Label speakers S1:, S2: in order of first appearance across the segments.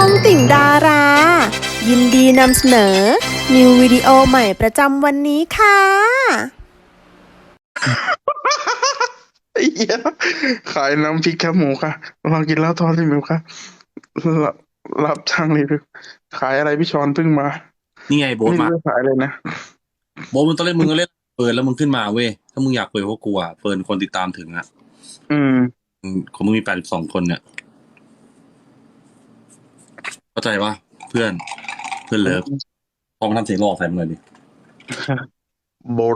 S1: องติ่งดารา ยินดีนำเสนอ นิววิดีโอใหม่ประจำวันนี้ค่ะ
S2: ไอ้เหี้ยขายน้ำพริกแคบหมูค่ะลองกินแล้วทอดรีวิวค่ะรับรับช่างรีวิวขายอะไรพี่ชอนเพิ่งมา
S3: นี่ไงโบ๊ท
S2: ไม่รู้
S3: มา
S2: จะขายเลยนะ
S3: โบ๊ทมึงตอนแรกมึงก็เล่นเฟิร์นแล้วมึงขึ้นมาเว้ยถ้ามึงอยากคุยกับพวกกูอ่ะเฟิร์นคนติดตามถึงอ่ะ
S2: อืม
S3: ของมึงมี82 คนเนี่ยเข้าใจปะเพื่อนเลิฟพอมาทำเสียงหลอกใส่มึงเลยดิ
S2: โบท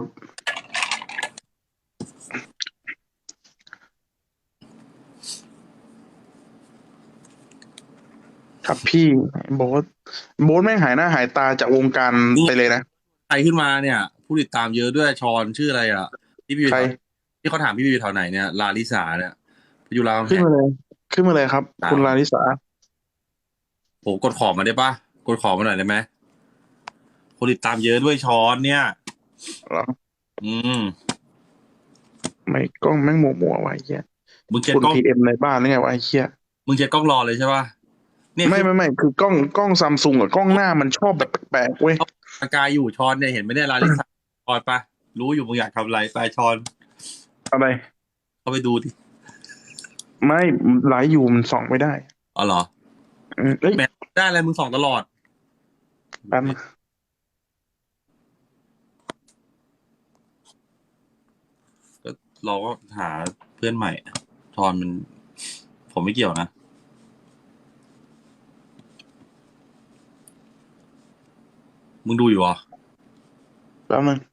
S2: ครับพี่โบทแม่งหายหน้าหายตาจากวงการไปเลยนะ
S3: ใครขึ้นมาเนี่ยผู้ติดตามเยอะด้วยชอนชื่ออะไรอ่ะที่พี่
S2: ใคร
S3: ที่เขาถามพี่อยู่แถวไหนเนี่ยลาลิสาเนี่ยอยู่รามคำแห
S2: ขึ้น
S3: ง
S2: มาเลยขึ้นมาเลยครับ คุณลาลิสา
S3: โหกดขอมาได้ปะกดขอมาหน่อยได้ไหมคนติดตามเยอะด้วยชอนเนี่ย
S2: เหรอ
S3: อืม
S2: ไม่กล้องแม่งมัวไว้เหี้ย
S3: มึงเช็ด
S2: คุณ
S3: กล้อง
S2: พีเอ็มในบ้านนี่ไงวะไอ้เหี้ย
S3: มึงเช็ดกล้องรอเลยใช่ปะเนี่ย
S2: ไม่คือกล้องซัมซุงกับกล้องหน้ามันชอบแบบแปลกๆเว้ย
S3: สกายอยู่ชอนเนี่ยเห็นไหมเนี่ยลาลิสาชอนปะรู้อยู่มึงอยากทำอะไรไปชอน
S2: อะไร
S3: เข้าไปดูดิ
S2: ไม่ไลฟ์อยู่มันส่องไม่ได้
S3: อ๋อเหรอ
S2: เอ้ย
S3: แหมได้อะไรมึงส่องตลอด
S2: แป๊บนึง
S3: ก็เราก็หาเพื่อนใหม่ชอนมันผมไม่เกี่ยวนะมึงดูอยู่เหรอ
S2: แป๊บนึง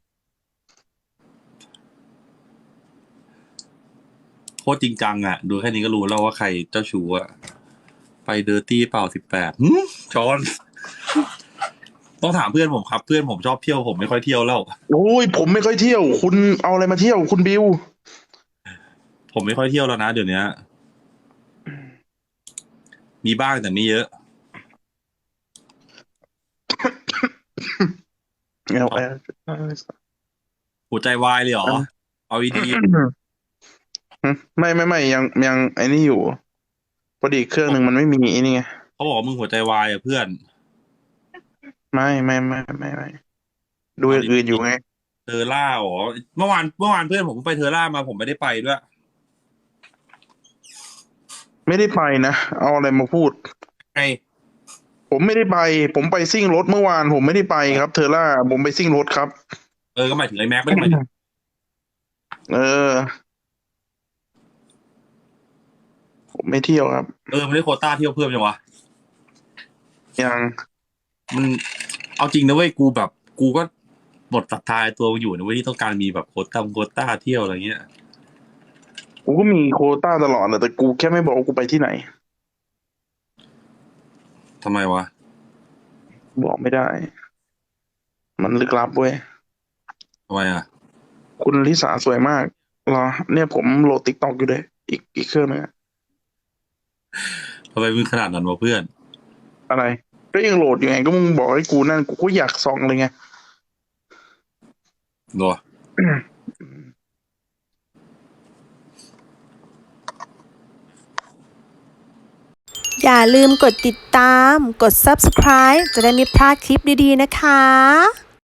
S3: โคตรจริงจังอ่ะดูแค่นี้ก็รู้แล้วว่าใครเจ้าชู้อ่ะไปเดอร์ตี้เปล่า18ชอน ต้องถามเพื่อนผมครับ เพื่อนผมชอบเที่ยวผมไม่ค่อยเที่ยวแล้ว
S2: โอ้ยผมไม่ค่อยเที่ยว คุณเอาอะไรมาเที่ยวคุณบิว
S3: ผมไม่ค่อยเที่ยวแล้วนะเดี๋ยวนี้มีบ้างแต่ไม่เยอะ
S2: เอาไป
S3: หัวใจวายเลยเหรอ เอาดี
S2: ไม่ยังไอ้นี่อยู่พอดีเครื่องหนึ่งมันไม่มีไอ้นี่ไง
S3: ๆเขาบอกว่ามึงหัวใจวายอ่ะเพื่อน
S2: ไม่ดูอย่างอื่นอยู่ไง
S3: เทอร่าอ๋อเมื่อวานเพื่อนผมไปเทอร่ามาผมไม่ได้ไปด้วย
S2: ไม่ได้ไปนะเอาอะไรมาพูด
S3: ไง
S2: ผมไม่ได้ไป ผมไปซิ่งรถเมื่อวานผมไม่ได้ไปครับเทอร่าผมไปซิ่งรถครับ
S3: ก็หมายถึงไอ้แม็กไม่ได้หมายถึง
S2: เออ ผมไม่เที่ยวครับ
S3: ไม่ได้โควต้าเที่ยวเพิ่มยังวะ
S2: ยัง
S3: มันเอาจริงนะเว้ยกูก็หมดศรัทธาในตัวอยู่นะเว้ยที่ต้องการมีแบบโควต้าเที่ยวอะไรเงี้ย
S2: กูก็มีโควต้าตลอดแหละแต่กูแค่ไม่บอกว่ากูไปที่ไหน
S3: ทำไมวะ
S2: บอกไม่ได้ มันลึกลับเว้ย
S3: ทำไมอ่ะ
S2: คุณลิสาสวยมากเหรอ เนี่ยผมโหลดติ๊กต็อกอยู่เลยอีกเครื่องนึงอะ
S3: ทำไมมึงขนาดนั้นวะเพื่อน
S2: อะไรก็ยังโหลดอยู่ไงก็มึงบอกให้กูนั่นกูก็อยากส่องเลยไง
S3: ตัว
S1: อย่าลืมกดติดตาม กด subscribe จะได้ไม่พลาดคลิปดีๆนะคะ